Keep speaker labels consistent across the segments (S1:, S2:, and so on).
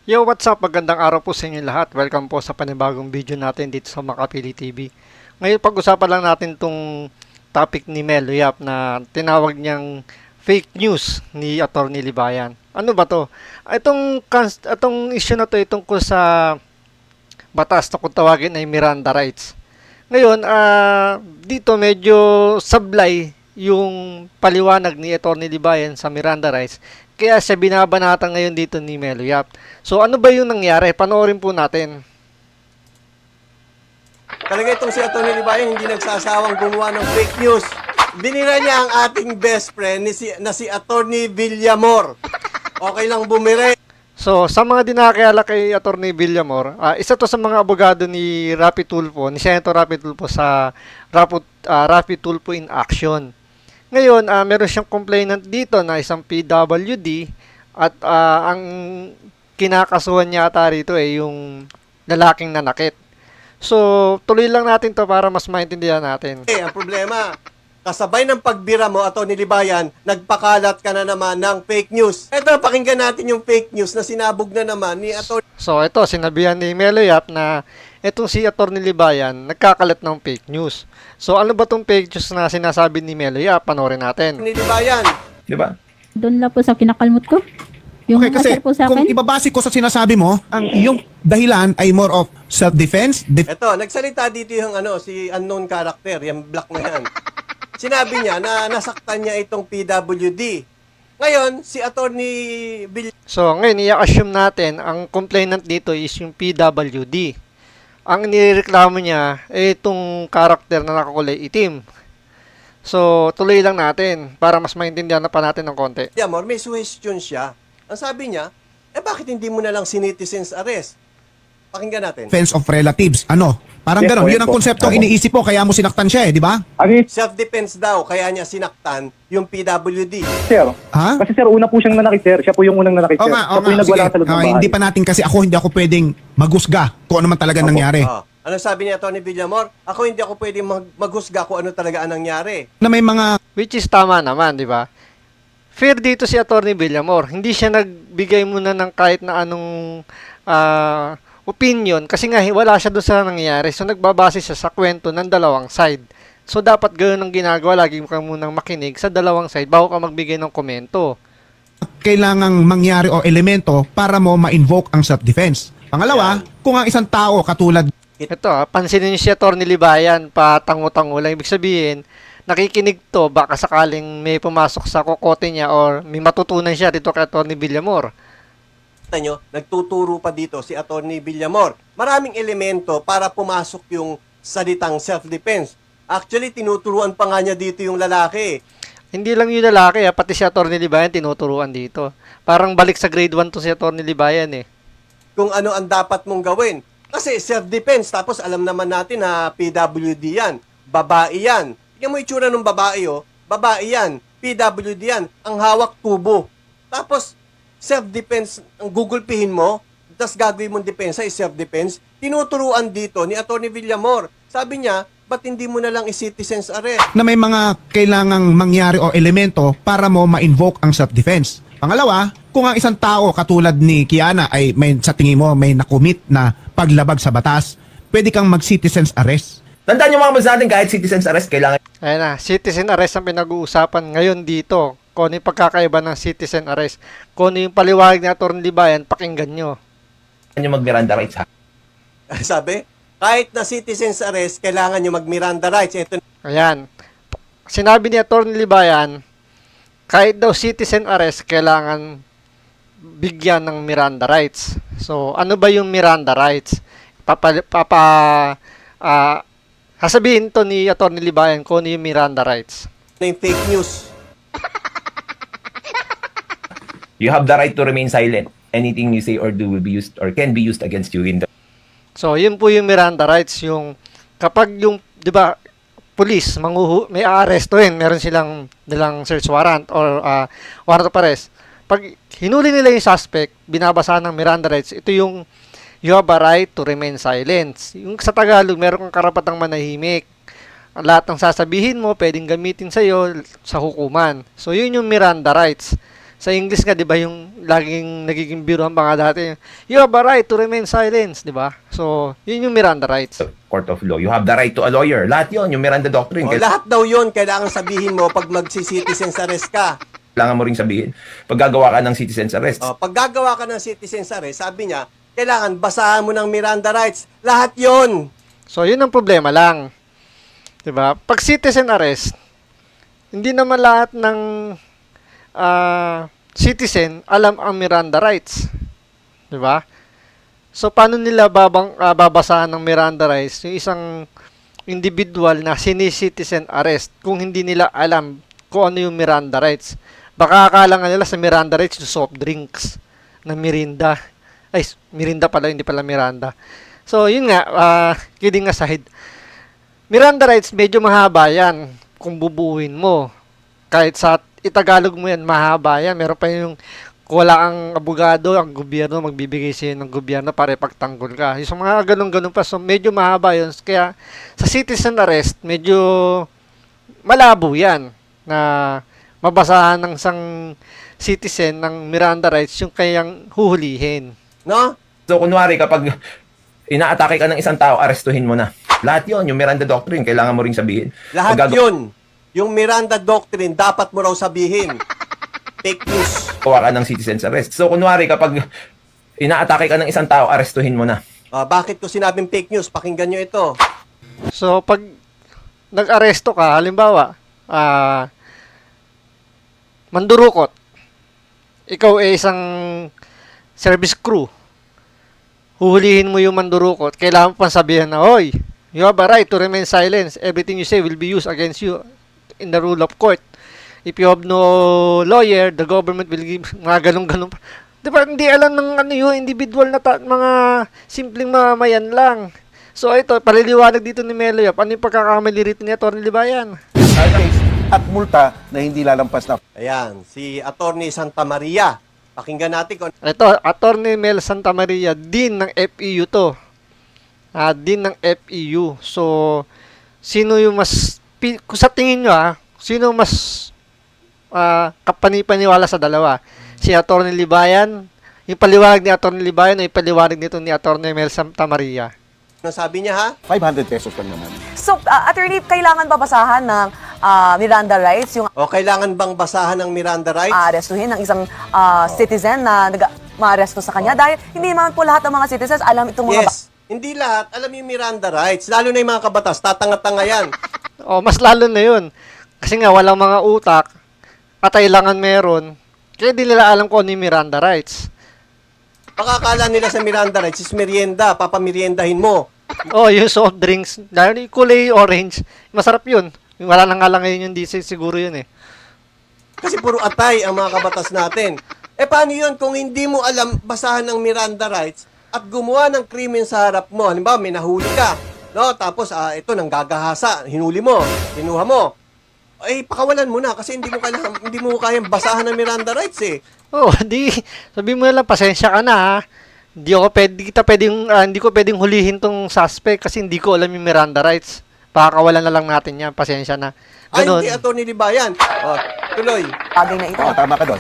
S1: Yo, what's up? Magandang araw po sa inyo lahat. Welcome po sa panibagong video natin dito sa Makapili TV. Ngayon, pag-usapan lang natin tong topic ni Melo Yap na tinawag niyang fake news ni Atty. Libayan. Ano ba to? Itong issue na to ay tungkol sa batas na kung tawagin ay Miranda rights. Ngayon, dito medyo sablay yung paliwanag ni Atty. Libayan sa Miranda rights. Kaya siya binabanatan ngayon dito ni Melo Yap. So ano ba yung nangyari? Panoorin po natin.
S2: Talaga itong si Atty. Libayan hindi nagsasawang gumawa ng fake news. Binira niya ang ating best friend na si Atty. Villamor. Okay lang bumire.
S1: So sa mga di nakakilala kay Atty. Villamor, isa to sa mga abogado ni Rapi Tulfo, ni Senator Rapi Tulfo sa Rapi Tulfo in Action. Ngayon, meron siyang complainant dito na isang PWD at ang kinakasuhan niya ata rito yung lalaking nanakit. So, tuloy lang natin to para mas maintindihan natin.
S2: Ang problema, kasabay ng pagbira mo, Atty. Libayan, nagpakalat ka na naman ng fake news. Ito, pakinggan natin yung fake news na sinabog na naman ni Atty.
S1: So, ito, sinabihan ni Melo Yap na itong si Atty. Libayan nagkakalat ng fake news. So, ano ba tong fake news na sinasabi ni Melo Yap? Panoorin natin.
S2: Libayan.
S3: Di ba?
S4: Doon lang po sa kinakalmot ko. Yung
S5: Okay, kasi
S4: answer po sa
S5: kung
S4: akin.
S5: ibabase ko sa sinasabi mo, ang iyong dahilan ay more of self-defense.
S2: Ito, nagsalita dito yung si unknown character, yung black na yan. Sinabi niya na nasaktan niya itong PWD. Ngayon, si Atty.
S1: So, ngayon, i-assume natin, ang complainant dito is yung PWD. Ang nireklamo niya ay itong karakter na nakakulay itim. So, tuloy lang natin para mas maintindihan na pa natin ng konti.
S2: Villamor, may suggestion siya. Ang sabi niya, bakit hindi mo na lang sinitizens arrest? Pakinggan natin.
S5: Defense of relatives. Ano? Parang
S3: Yes
S5: gano'n.
S3: po,
S5: Yun
S3: yes
S5: ang
S3: po.
S5: konseptong
S3: Opo.
S5: iniisip mo, kaya mo sinaktan siya di ba?
S2: Self-defense daw, kaya niya sinaktan yung PWD.
S3: Sir,
S5: Ha?
S3: kasi sir, una po siyang nanakit, sir. Siya po yung unang nanakit,
S5: Oo
S3: sir.
S5: nga,
S3: Siya po yung nagwala sa loob ng bahay.
S5: Hindi pa natin kasi hindi ako pwedeng magusga kung ano man talaga nangyari.
S2: Ano sabi ni Atty. Villamor? Ako hindi ako pwedeng maghusga kung ano talaga ang nangyari.
S5: Na may mga
S1: Which is tama naman, di ba? Fair dito si Atty. Villamor. Hindi siya nagbigay muna ng kahit na anong opinion kasi nga wala siya doon sa nangyayari. So nagbabase siya sa kwento ng dalawang side. So dapat ganoon ang ginagawa. Lagi ka munang makinig sa dalawang side bago ka magbigay ng komento.
S5: kailangang mangyari o elemento para mo ma-invoke ang self-defense. Pangalawa, kung ang isang tao katulad
S1: Ito, pansinin niyo si Atty. Libayan, patango-tango lang. Ibig sabihin, nakikinig to, baka sakaling may pumasok sa kokote niya or may matutunan siya dito kay Atty. Villamor.
S2: Kita nyo, nagtuturo pa dito si Atty. Villamor. Maraming elemento para pumasok yung salitang self-defense. Actually, tinuturuan pa nga niya dito yung lalaki.
S1: Hindi lang yung lalaki, pati si Atty. Libayan tinuturuan dito. Parang balik sa grade 1 to si Atty. Libayan eh.
S2: Kung ano ang dapat mong gawin. Kasi self-defense, tapos alam naman natin na PWD yan. Babae yan. Tingnan mo itsura ng babae, babae yan. PWD yan. Ang hawak tubo. Tapos, self-defense, ang gugulpihin mo, tapos gagawin mong depensa is self-defense. Tinuturuan dito ni Atty. Villamor. Sabi niya, ba't hindi mo na lang i-citizens arrest?
S5: na may mga kailangang mangyari o elemento para mo ma-invoke ang self-defense. Pangalawa, kung ang isang tao katulad ni Kiana ay sa tingin mo may nakumit na paglabag sa batas, pwede kang mag-citizens arrest.
S6: Tandaan nyo mga kabs natin, kahit citizen's arrest, kailangan
S1: Ayan na, citizen arrest ang pinag-uusapan ngayon dito. Kung ano yung pagkakaiba ng citizen arrest. Kung ano yung paliwanag ni Atty. Libayan, pakinggan nyo.
S6: nyo mag-Miranda rights ha.
S2: Sabi, kahit na citizens arrest, kailangan nyo mag-Miranda rights. Ito
S1: Ayan. Sinabi ni Atty. Libayan, kahit daw citizen arrest, kailangan bigyan ng Miranda rights. So, ano ba yung Miranda rights? Sasabihin to ni Atty. Libayan kung ano yung Miranda rights.
S2: na yung fake news.
S6: You have the right to remain silent. Anything you say or do will be used or can be used against you in the
S1: So, yun po yung Miranda rights. Yung, kapag yung, di ba, police, may aarestuhin, meron silang nilang search warrant or warrant of arrest. Pag hinuli nila yung suspect, binabasa ng Miranda rights, ito yung you have a right to remain silent. Yung sa Tagalog, meron kang karapatang manahimik. Lahat ng sasabihin mo, pwedeng gamitin sa'yo sa hukuman. So, yun yung Miranda rights. Sa English nga, di ba, yung laging nagiging biruan pa nga dati, you have a right to remain silent, di ba? So, yun yung Miranda rights.
S6: Court of law. You have the right to a lawyer. Lahat yon yung Miranda Doctrine.
S2: O, lahat daw yun, kailangan sabihin mo pag magsi-citizen's arrest ka.
S6: Kailangan mo ring sabihin, pag gagawa ka ng citizen's arrest,
S2: O, pag gagawa ka ng citizen's arrest, sabi niya, kailangan basahan mo ng Miranda rights. Lahat yon.
S1: So, yun ang problema lang. Di ba? Pag citizen arrest, hindi naman lahat ng citizen alam ang Miranda rights. Di ba? So, paano nila babasahan ng Miranda rights yung isang individual na sini-citizen arrest kung hindi nila alam kung ano yung Miranda rights? Baka akala nga nila sa Miranda rights yung soft drinks na Mirinda. Ay, Mirinda pala, hindi pala Miranda. So, yun nga, kidding aside, Miranda rights medyo mahaba yan kung bubuuin mo. Kahit sa itagalog mo yan, mahaba yan. Meron pa yung wala ang abogado, ang gobyerno, magbibigay sa'yo ng gobyerno para ipagtanggol ka. Yung mga ganun-ganun pa. So, medyo mahaba yun. Kaya, sa citizen arrest, medyo malabo yan na mabasahan ng isang citizen ng Miranda rights yung kayang huhulihin.
S2: No?
S6: so kunwari kapag inaatake ka ng isang tao, arestuhin mo na. Lahat yon yung Miranda Doctrine, kailangan mo ring sabihin.
S2: Lahat
S6: Pag
S2: yun. Yung Miranda Doctrine, dapat mo raw sabihin. Fake news.
S6: gagawa ka ng citizen's arrest. So kunwari kapag inaatake ka ng isang tao, arestuhin mo na.
S2: Bakit ko sinabing fake news? Pakinggan nyo ito.
S1: So, pag nag-aresto ka, halimbawa, mandurukot, ikaw ay isang service crew, huhulihin mo yung mandurukot, kailangan mo pang sabihin na, "Hoy, you have a right to remain silent. Everything you say will be used against you in the rule of court. If you have no lawyer, the government will give," mga ganun-ganun pa. Di ba, hindi alam ng ano yun, individual na mga simpleng mamayan lang. So, ito, paliliwanag dito ni Melo Yap. Ano yung pagkakamali rito ni Atty. Libayan?
S7: case at multa na hindi lalampas na
S2: Ayan, si Attorney Santa Maria. Pakinggan natin kung
S1: Ito, Atty. Mel Santa Maria, Dean ng FEU to. Dean ng FEU. So, sino yung mas, kung sa tingin nyo sino mas kapanipaniwala sa dalawa? Si Atty. Libayan, yung paliwanag ni Atty. Libayan o yung paliwanag nito ni Atty. Mel Santa Maria?
S2: ano sabi niya ha?
S7: 500 pesos lang naman.
S8: So, attorney, kailangan babasahan ng Miranda rights, yung
S2: O kailangan bang basahan ng Miranda rights?
S8: arestuhin ng isang citizen na ma-aresto sa kanya? Dahil hindi naman po lahat ng mga citizens alam itong mga...
S2: Yes. Hindi lahat alam yung Miranda rights. Lalo na yung mga kabatas. Tatanga-tanga yan.
S1: O, mas lalo na yun. Kasi nga, walang mga utak, katailangan meron, kaya di nila alam kung ano yung Miranda rights.
S2: Pakakala nila sa Miranda rights is merienda. Papameriendahin mo.
S1: Oh, yung soft drinks, dahil yung kulay orange, masarap yun. Wala na nga lang ngayon yung diesel, siguro yun eh.
S2: Kasi puro atay ang mga kabatas natin. Paano yun kung hindi mo alam basahan ng Miranda rights at gumawa ng krimen sa harap mo? Halimbawa, may nahuli ka. No? Tapos, ito, nanggagahasa. Hinuli mo. Kinuha mo. Pakawalan mo na kasi hindi mo kayang basahan ng Miranda rights eh.
S1: Oh, sabi mo na lang, pasensya ka na hindi ko pwedeng hulihin tong suspect kasi hindi ko alam yung Miranda rights. Pakakawalan na lang natin yan, pasensya na. Ganun.
S2: Hindi, Atty. Libayan. Tuloy.
S8: bagay na ito.
S7: Oo, tama ka doon.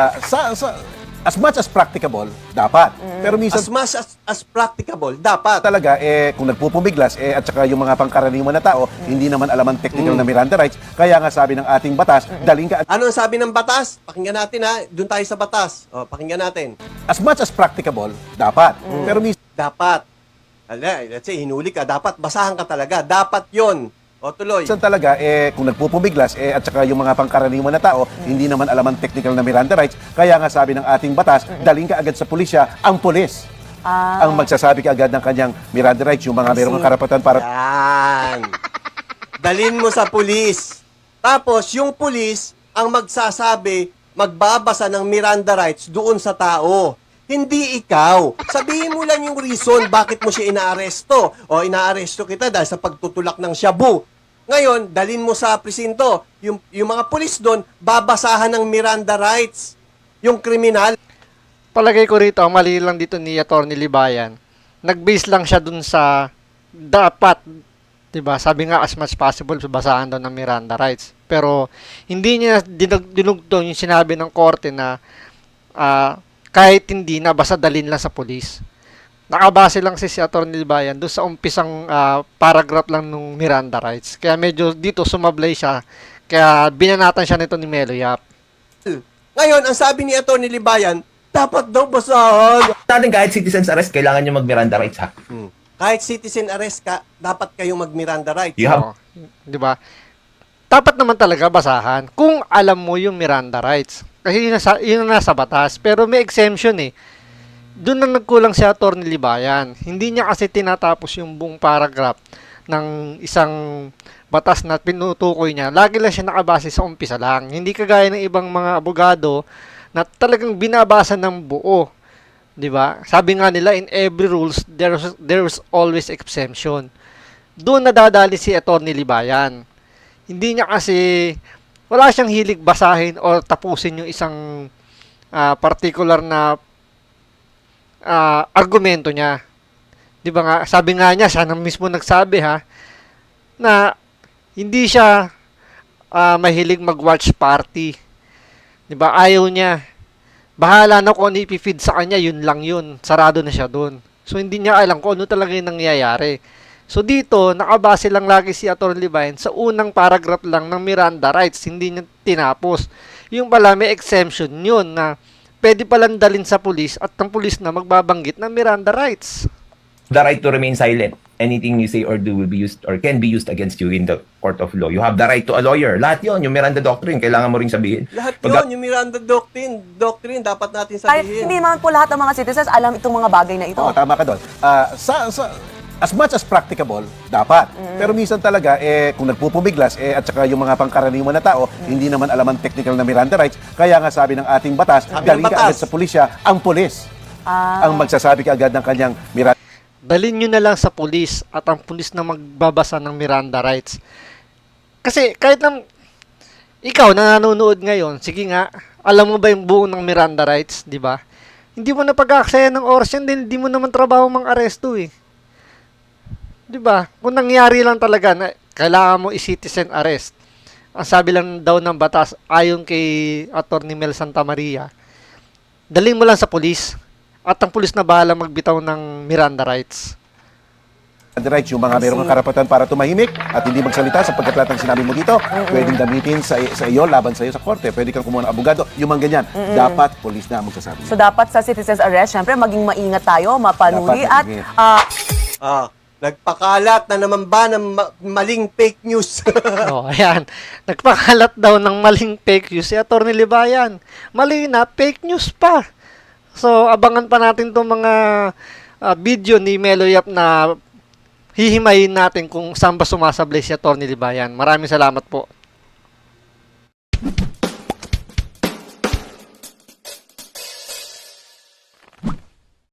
S7: As much as practicable, dapat. Pero minsan
S2: As much as practicable, dapat.
S7: talaga, kung nagpupumiglas, at saka yung mga pangkaraniwan na tao, hindi naman alam ang technical na Miranda rights. Kaya nga sabi ng ating batas, daling ka
S2: Ano ang sabi ng batas? Pakinggan natin ha. Doon tayo sa batas. Pakinggan natin.
S7: as much as practicable, dapat. Pero minsan
S2: Dapat. Let's say, hinuli ka. Dapat basahan ka talaga. Dapat yon. Tuloy.
S7: talaga, kung nagpupumiglas, at saka yung mga pangkaraniwan na tao, hindi naman alam ang technical na Miranda rights. Kaya nga sabi ng ating batas, daling ka agad sa pulisya, ang pulis. Ang magsasabi ka agad ng kanyang Miranda rights, yung mga mayroong karapatan para
S2: Yan. Dalin mo sa pulis. Tapos, yung pulis ang magsasabi, magbabasa ng Miranda rights doon sa tao. Hindi ikaw. Sabihin mo lang yung reason bakit mo siya inaaresto. O inaaresto kita dahil sa pagtutulak ng shabu. Ngayon, dalin mo sa presinto. Yung mga pulis doon, babasahan ng Miranda rights. Yung kriminal.
S1: Palagay ko rito, ang mali lang dito ni Atty. Libayan, nag-base lang siya dun sa dapat, diba? Sabi nga, as much possible, basahan daw ng Miranda rights. pero hindi niya dinugtong yung sinabi ng korte na kahit hindi na, basta dalhin lang sa pulis. Nakabase lang si Atty. Libayan doon sa umpisang paragraph lang nung Miranda rights. Kaya medyo dito sumablay siya. Kaya binanatan siya nito ni Melo Yap.
S2: Ngayon, ang sabi ni Atty. Libayan, dapat daw basahan.
S6: Natin kahit citizen's arrest, kailangan nyo mag-Miranda rights ha.
S2: Kahit citizen arrest ka, dapat kayong mag-Miranda rights.
S6: You have,
S1: Oo, di ba? Dapat naman talaga basahan kung alam mo yung Miranda rights. Kasi yun na nasa batas. Pero may exemption eh. Doon na nagkulang si Atty. Libayan. Hindi niya kasi tinatapos yung buong paragraph ng isang batas na pinutukoy niya. Lagi lang siya nakabase sa umpisa lang. Hindi kagaya ng ibang mga abogado na talagang binabasa ng buo. 'Di ba? Sabi nga nila, in every rules there's always exemption. Doon nadadali si Atty. Libayan. Hindi niya kasi wala siyang hilig basahin o tapusin yung isang particular na argumento niya. 'Di ba nga? Sabi nga niya, siya nang mismo nagsabi na hindi siya mahilig mag-watch party. 'Di ba? Ayaw niya. Bahala na kung ano ipifeed sa kanya, yun lang yun. Sarado na siya doon. So, hindi niya alam kung ano talaga yung nangyayari. So, dito, nakabase lang lagi si Atty. Libayan sa unang paragraph lang ng Miranda rights. Hindi niya tinapos. Yung pala, may exemption yun na pwede palang dalhin sa pulis at ang pulis na magbabanggit ng Miranda rights.
S6: the right to remain silent. Anything you say or do will be used or can be used against you in the court of law. You have the right to a lawyer. Lahat yun, yung Miranda Doctrine, kailangan mo rin sabihin.
S2: Lahat
S6: Pag-
S2: yun, yung Miranda Doctrine, dapat natin
S8: Kahit
S2: sabihin.
S8: hindi naman po lahat ng mga citizens alam itong mga bagay na ito.
S7: Oo, tama ka doon. As much as practicable, dapat. Pero minsan talaga, kung nagpupumiglas, at saka yung mga pangkaraniwan na tao, hindi naman alam ang technical na Miranda rights. Kaya nga sabi ng ating batas,
S2: Sabi ng
S7: galing ka
S2: batas.
S7: agad sa pulisya, ang pulis. Ang magsasabi ka agad ng kanyang Miranda
S1: Dalhin nyo na lang sa pulis at ang pulis na magbabasa ng Miranda rights. Kasi kahit lang ikaw na nanonood ngayon, sige nga, alam mo ba yung buo ng Miranda rights, di ba? Hindi mo na pag-aaksaya ng oras yan, hindi mo naman trabaho mang-aresto eh. Di ba? Kung nangyari lang talaga na kailangan mo i-citizen arrest, ang sabi lang daw ng batas, ayon kay Atty. Mel Santamaria, dalhin mo lang sa pulis at ang pulis na bahala magbitaw ng Miranda rights.
S7: rights, yung mga mayroong karapatan para tumahimik at hindi magsalita sapagkat lahat ng sinabi mo dito, pwedeng gamitin sa iyo, laban sa iyo sa korte. Pwede kang kumuha ng abogado, yung mga ganyan. Dapat pulis na ang magsasabi.
S8: So dapat sa citizens arrest, syempre maging maingat tayo, mapanuri
S7: Dapat
S8: at
S7: maging-
S2: Nagpakalat na naman ba ng maling fake news?
S1: Oh, ayan. Nagpakalat daw ng maling fake news si Atty. Libayan. Mali na, fake news pa. So, abangan pa natin itong mga video ni Melo Yap na hihimayin natin kung saan ba sumasablay si Atty. Libayan. Maraming salamat po.